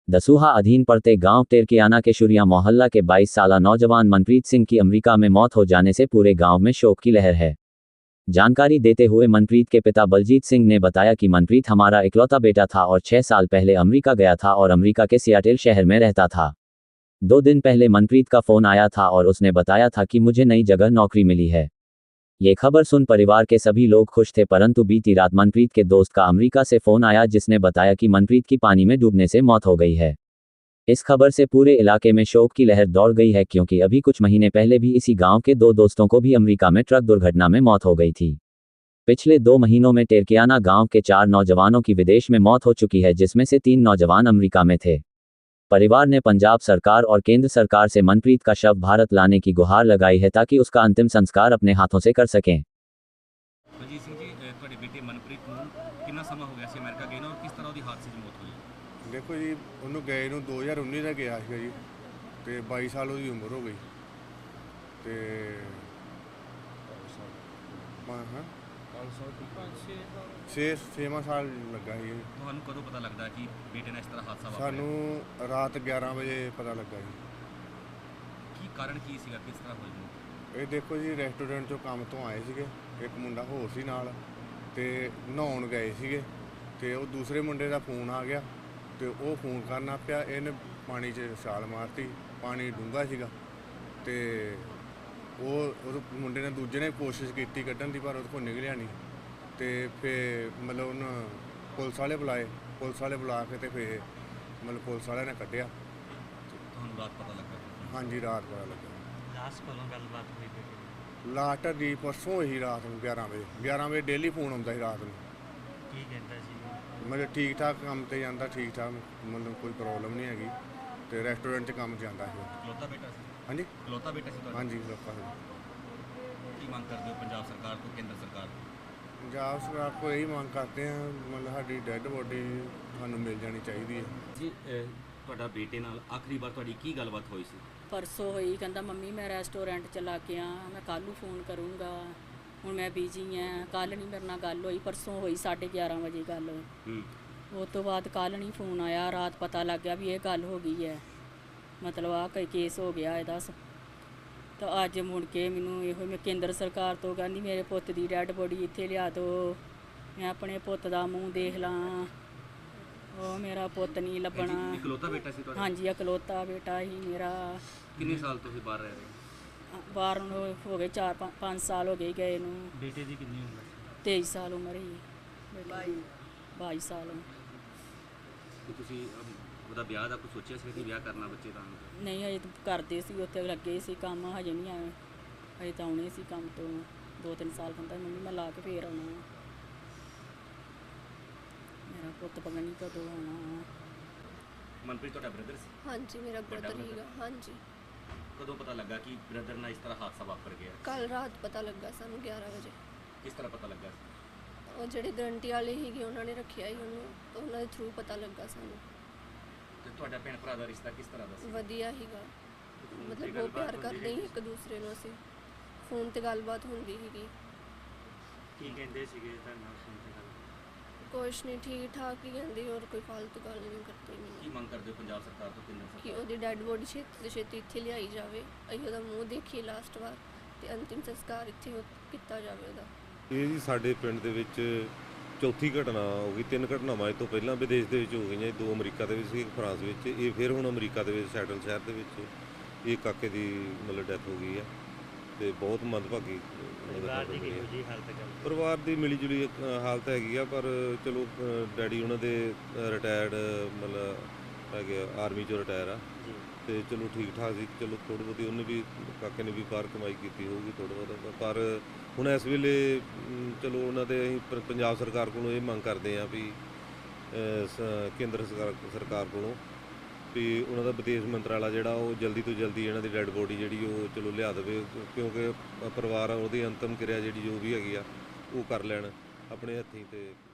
दसूहा अधीन पड़ते गांव टेरकियाना के शुरिया मोहल्ला के 22 साला नौजवान मनप्रीत सिंह की अमेरिका में मौत हो जाने से पूरे गांव में शोक की लहर है। जानकारी देते हुए मनप्रीत के पिता बलजीत सिंह ने बताया कि मनप्रीत हमारा इकलौता बेटा था और 6 साल पहले अमेरिका गया था और अमेरिका के सियाटल शहर में रहता था। 2 दिन पहले मनप्रीत का फ़ोन आया था और उसने बताया था कि मुझे नई जगह नौकरी मिली है। ये खबर सुन परिवार के सभी लोग खुश थे, परंतु बीती रात मनप्रीत के दोस्त का अमेरिका से फ़ोन आया जिसने बताया कि मनप्रीत की पानी में डूबने से मौत हो गई है। इस खबर से पूरे इलाके में शोक की लहर दौड़ गई है, क्योंकि अभी कुछ महीने पहले भी इसी गांव के 2 दोस्तों को भी अमेरिका में ट्रक दुर्घटना में मौत हो गई थी। पिछले 2 महीनों में टेरकियाना गांव के 4 नौजवानों की विदेश में मौत हो चुकी है, जिसमें से 3 नौजवान अमेरिका में थे। परिवार ने पंजाब सरकार और केंद्र सरकार से मनप्रीत का शव भारत लाने की गुहार लगाई है ताकि उसका अंतिम संस्कार अपने हाथों से कर सकें। बलजीत सिंह जी, ਤੁਹਾਡੇ ਬੇਟੇ ਮਨਪ੍ਰੀਤ ਨੂੰ ਕਿੰਨਾ ਸਮਾਂ ਹੋ ਗਿਆ ਸੀ ਅਮਰੀਕਾ ਗਏ ਨੂੰ, ਔਰ ਕਿਸ ਤਰ੍ਹਾਂ ਉਹਦੀ ਹਾਦਸੇ 'ਚ ਮੌਤ ਹੋਈ? ਦੇਖੋ ਜੀ, ਉਹਨੂੰ ਗਏ ਨੂੰ 2019 ਦਾ ਗਿਆ ਸੀਗਾ ਜੀ, ਤੇ 22 ਸਾਲ ਉਹਦੀ ਉਮਰ ਹੋ ਗਈ, ਤੇ 6 ਸਾਲ ਲੱਗਾ ਸੀ। ਤੁਹਾਨੂੰ ਕਦੋਂ ਪਤਾ ਲੱਗਦਾ ਕਿ ਬੇਟੇ ਨਾਲ ਇਸ ਤਰ੍ਹਾਂ ਹਾਦਸਾ ਵਾਪਰਿਆ? ਸਾਨੂੰ ਰਾਤ 11 ਵਜੇ ਪਤਾ ਲੱਗਾ ਜੀ। ਕੀ ਕਾਰਨ ਕੀ ਸੀਗਾ, ਕਿਸ ਤਰ੍ਹਾਂ ਹੋਈ ਮੌਤ? ਇਹ ਦੇਖੋ ਜੀ, ਰੈਸਟੋਰੈਂਟ 'ਚੋਂ ਕੰਮ ਤੋਂ ਆਏ ਸੀਗੇ, ਇੱਕ ਮੁੰਡਾ ਹੋਰ ਸੀ ਨਾਲ, ਤੇ ਨਹਾਉਣ ਗਏ ਸੀਗੇ, ਤੇ ਉਹ ਦੂਸਰੇ ਮੁੰਡੇ ਦਾ ਫੋਨ ਆ ਗਿਆ, ਤੇ ਉਹ ਫੋਨ ਕਰਨਾ ਪਿਆ, ਇਹਨੇ ਪਾਣੀ 'ਚ ਛਾਲ ਮਾਰਤੀ। ਪਾਣੀ ਡੂੰਘਾ ਸੀਗਾ, ਤੇ ਉਹ ਮੁੰਡੇ ਨੇ ਦੂਜੇ ਨੇ ਕੋਸ਼ਿਸ਼ ਕੀਤੀ ਕੱਢਣ ਦੀ, ਪਰ ਉਹਦੇ ਕੋਲ ਨਿਕਲਿਆ ਨਹੀਂ। ਤੇ ਫਿਰ ਮਤਲਬ ਉਹਨੂੰ ਪੁਲਿਸ ਵਾਲੇ ਬੁਲਾਏ, ਪੁਲਿਸ ਵਾਲੇ ਬੁਲਾ ਕੇ ਤੇ ਫਿਰ ਮਤਲਬ ਪੁਲਿਸ ਵਾਲਿਆਂ ਨੇ ਕੱਢਿਆ। ਤੁਹਾਨੂੰ ਰਾਤ ਪਤਾ ਲੱਗਾ? ਹਾਂਜੀ, ਰਾਤ ਪਤਾ ਲੱਗਾ। ਲਾਸਟ ਕੋਲੋਂ ਗੱਲਬਾਤ ਹੋਈ ਬੇਟੇ? ਲਾਸਟ ਦੀ ਪਰਸੋਂ ਹੀ ਰਾਤ ਨੂੰ 11 ਵਜੇ ਡੇਲੀ ਫੋਨ ਆਉਂਦਾ ਸੀ ਰਾਤ ਨੂੰ। ਕੀ ਕਹਿੰਦਾ ਸੀ? ਮਤਲਬ ਠੀਕ ਠਾਕ ਕੰਮ 'ਤੇ ਜਾਂਦਾ, ਠੀਕ ਠਾਕ, ਮਤਲਬ ਕੋਈ ਪ੍ਰੋਬਲਮ ਨਹੀਂ ਹੈਗੀ, ਤੇ ਰੈਸਟੋਰੈਂਟ 'ਚ ਕੰਮ ਜਾਂਦਾ ਸੀ। ਇਕਲੌਤਾ ਬੇਟਾ ਸੀ? ਹਾਂਜੀ, ਇਕਲੌਤਾ ਬੇਟਾ ਸੀ ਤੁਹਾਡਾ? ਹਾਂਜੀ, ਲੋਕਾਂ ਨੂੰ। ਕੀ ਮੰਗ ਕਰਦੇ ਹੋ ਪੰਜਾਬ ਸਰਕਾਰ ਤੋਂ, ਕੇਂਦਰ ਸਰਕਾਰ ਤੋਂ? ਪੰਜਾਬ ਸਰਕਾਰ ਕੋਲ ਇਹੀ ਮੰਗ ਕਰਦੇ ਹਾਂ, ਮਤਲਬ ਸਾਡੀ ਡੈੱਡ ਬੋਡੀ ਸਾਨੂੰ ਮਿਲ ਜਾਣੀ ਚਾਹੀਦੀ ਹੈ ਜੀ। ਤੁਹਾਡਾ ਬੇਟੇ ਨਾਲ ਆਖਰੀ ਵਾਰ ਤੁਹਾਡੀ ਕੀ ਗੱਲਬਾਤ ਹੋਈ ਸੀ? ਪਰਸੋਂ ਹੋਈ, ਕਹਿੰਦਾ ਮੰਮੀ ਮੈਂ ਰੈਸਟੋਰੈਂਟ ਚਲਾ ਕੇ ਆ, ਮੈਂ ਕੱਲ੍ਹ ਨੂੰ ਫੋਨ ਕਰੂੰਗਾ, ਹੁਣ ਮੈਂ ਬਿਜੀ ਹਾਂ। ਕੱਲ੍ਹ ਨਹੀਂ ਮੇਰੇ ਨਾਲ ਗੱਲ ਹੋਈ, ਪਰਸੋਂ ਹੋਈ 11:30 ਵਜੇ ਗੱਲ। ਉਸ ਤੋਂ ਬਾਅਦ ਕੱਲ੍ਹ ਨਹੀਂ ਫੋਨ ਆਇਆ, ਰਾਤ ਪਤਾ ਲੱਗ ਗਿਆ ਵੀ ਇਹ ਗੱਲ ਹੋ ਗਈ ਹੈ, ਮਤਲਬ ਆਹ ਕੋਈ ਕੇਸ ਹੋ ਗਿਆ ਇਹਦਾ। ਤਾਂ ਅੱਜ ਮੁੜ ਕੇ ਮੈਨੂੰ ਇਹੋ ਮੈਂ ਕੇਂਦਰ ਸਰਕਾਰ ਤੋਂ ਕਹਿੰਦੀ ਮੇਰੇ ਪੁੱਤ ਦੀ ਡੈਡ ਬੋਡੀ ਇੱਥੇ ਲਿਆ ਦਿਓ, ਮੈਂ ਆਪਣੇ ਪੁੱਤ ਦਾ ਮੂੰਹ ਦੇਖ ਲਾਂ। ਉਹ ਮੇਰਾ ਪੁੱਤ ਨਹੀਂ ਲੱਭਣਾ। ਇਕਲੌਤਾ ਬੇਟਾ ਸੀ ਤੁਹਾਡਾ? ਹਾਂਜੀ, ਇਕਲੌਤਾ ਬੇਟਾ ਹੀ ਮੇਰਾ। ਕਿੰਨੇ ਸਾਲ ਤੁਸੀਂ ਬਾਹਰ ਰਹਿ ਰਹੇ? ਬਾਹਰ ਨੂੰ ਹੋ ਗਏ 4-5 ਸਾਲ ਹੋ ਗਏ ਗਏ ਨੂੰ। ਬੇਟੇ ਦੀ ਕਿੰਨੀ ਉਮਰ? 23 ਸਾਲ ਉਮਰ ਹੀ। 22 ਸਾਲ। ਤੇ ਤੁਸੀਂ ਉਹਦਾ ਵਿਆਹ ਦਾ ਕੁਝ ਸੋਚਿਆ ਸੀ ਕਿ ਵਿਆਹ ਕਰਨਾ ਬੱਚੇ ਦਾ? ਨਹੀਂ, ਹਜੇ ਤਾਂ ਕਰਦੇ ਸੀ, ਉੱਥੇ ਲੱਗੇ ਸੀ ਕੰਮ, ਹਜੇ ਨਹੀਂ ਆਏ, ਹਜੇ ਤਾਂ ਆਉਣੇ ਸੀ ਕੰਮ ਤੋਂ 2-3 ਸਾਲ। ਕਹਿੰਦਾ ਮੰਮੀ ਮੈਂ ਲਾ ਕੇ ਫੇਰ ਆਉਣਾ, ਮੇਰਾ ਪੁੱਤ ਪਤਾ ਨਹੀਂ ਕਦੋਂ ਆਉਣਾ। ਮਨਪ੍ਰੀਤ ਤੁਹਾਡਾ ਬ੍ਰਦਰ ਸੀ? ਹਾਂਜੀ, ਮੇਰਾ ਬ੍ਰਦਰ ਹੀਗਾ। ਹਾਂਜੀ। ਕਦੋਂ ਪਤਾ ਲੱਗਾ ਕਿ ਬ੍ਰਦਰ ਨਾਲ ਇਸ ਤਰ੍ਹਾਂ ਹਾਦਸਾ ਵਾਪਰ ਗਿਆ? ਕੱਲ ਰਾਤ ਪਤਾ ਲੱਗਾ ਸਾਨੂੰ 11 ਵਜੇ। ਕਿਸ ਤਰ੍ਹਾਂ ਪਤਾ ਲੱਗਾ? ਉਹ ਜਿਹੜੇ ਗਰੰਟੀ ਵਾਲੇ ਸੀਗੇ ਉਹਨਾਂ ਨੇ ਰੱਖਿਆ ਸੀ ਉਹਨੂੰ, ਤਾਂ ਉਹਨਾਂ ਦੇ ਥਰੂ ਪਤਾ ਲੱਗਾ ਸਾਨੂੰ। ਤੇ ਤੁਹਾਡਾ ਭੈਣ ਭਰਾ ਦਾ ਰਿਸ਼ਤਾ ਕਿਸ ਤਰ੍ਹਾਂ ਦਾ ਸੀ? ਵਧੀਆ ਸੀਗਾ, ਮਤਲਬ ਬਹੁਤ ਪਿਆਰ ਕਰਦੇ ਸੀ ਇੱਕ ਦੂਸਰੇ ਨੂੰ। ਅਸੀਂ ਫੋਨ ਤੇ ਗੱਲਬਾਤ ਹੁੰਦੀ ਸੀਗੀ। ਕੀ ਕਹਿੰਦੇ ਸੀਗੇ ਤੁਹਾਨੂੰ ਫੋਨ ਤੇ ਗੱਲ? ਕੁਛ ਨਹੀਂ, ਠੀਕ ਠਾਕ ਹੀ ਕਹਿੰਦੀ, ਹੋਰ ਕੋਈ ਫालतू ਗੱਲ ਨਹੀਂ ਕਰਦੀ। ਕੀ ਮੈਨੂੰ ਮੰਗ ਕਰਦੇ ਹੋ ਪੰਜਾਬ ਸਰਕਾਰ ਤੋਂ, ਕੇਂਦਰ ਕਿ ਸਰਕਾਰ? ਉਹਦੀ ਡੈਡ ਬੋਡੀ ਛੇਤੀ ਤੋਂ ਛੇਤੀ ਇੱਥੇ ਲਿਆਈ ਜਾਵੇ, ਅਸੀਂ ਉਹਦਾ ਮੂੰਹ ਦੇਖੀਏ ਲਾਸਟ ਵਾਰ, ਤੇ ਅੰਤਿਮ ਸੰਸਕਾਰ ਇੱਥੇ ਕੀਤਾ ਜਾਵੇ ਉਹਦਾ। ਇਹ ਜੀ ਸਾਡੇ ਪਿੰਡ ਦੇ ਵਿੱਚ ਚੌਥੀ ਘਟਨਾ ਹੋ ਗਈ। 3 ਘਟਨਾਵਾਂ ਇਹ ਤੋਂ ਪਹਿਲਾਂ ਵਿਦੇਸ਼ ਦੇ ਵਿੱਚ ਹੋ ਗਈਆਂ, 2 ਅਮਰੀਕਾ ਦੇ ਵਿੱਚ ਸੀ, 1 ਫਰਾਂਸ ਵਿੱਚ। ਇਹ ਫਿਰ ਹੁਣ ਅਮਰੀਕਾ ਦੇ ਵਿੱਚ ਸਿਆਟਲ ਸ਼ਹਿਰ ਦੇ ਵਿੱਚ ਇਹ ਕਾਕੇ ਦੀ ਮਤਲਬ ਡੈਥ ਹੋ ਗਈ ਹੈ, ਤੇ ਬਹੁਤ ਮੰਦਭਾਗੀ। ਪਰਿਵਾਰ ਦੀ ਮਿਲੀ ਜੁਲੀ ਹਾਲਤ ਹੈਗੀ ਆ, ਪਰ ਚਲੋ ਡੈਡੀ ਉਹਨਾਂ ਦੇ ਰਿਟਾਇਰਡ ਮਤਲਬ ਹੈਗੇ, ਆਰਮੀ 'ਚੋਂ ਰਿਟਾਇਰ ਆ, ਤੇ ਚਲੋ ਠੀਕ ਠਾਕ ਸੀ। ਚਲੋ ਥੋੜ੍ਹੀ ਬਹੁਤੀ ਉਹਨੇ ਵੀ, ਕਾਕੇ ਨੇ ਵੀ ਬਾਹਰ ਕਮਾਈ ਕੀਤੀ ਹੋਊਗੀ ਥੋੜ੍ਹਾ ਬਹੁਤਾ, ਪਰ ਹੁਣ ਇਸ ਵੇਲੇ ਚਲੋ ਉਹਨਾਂ ਦੇ ਅਸੀਂ ਪੰਜਾਬ ਸਰਕਾਰ ਕੋਲੋਂ ਇਹ ਮੰਗ ਕਰਦੇ ਹਾਂ ਵੀ ਕੇਂਦਰ ਸਰਕਾਰ ਕੋਲੋਂ ਵੀ ਉਹਨਾਂ ਦਾ ਵਿਦੇਸ਼ ਮੰਤਰਾਲਾ ਜਿਹੜਾ ਉਹ ਜਲਦੀ ਤੋਂ ਜਲਦੀ ਇਹਨਾਂ ਦੀ ਡੈਡ ਬੋਡੀ ਜਿਹੜੀ ਉਹ ਚਲੋ ਲਿਆ ਦੇਵੇ, ਕਿਉਂਕਿ ਪਰਿਵਾਰ ਉਹਦੀ ਅੰਤਮ ਕਿਰਿਆ ਜਿਹੜੀ ਜੋ ਵੀ ਹੈਗੀ ਆ ਉਹ ਕਰ ਲੈਣ ਆਪਣੇ ਹੱਥੀਂ। ਤੇ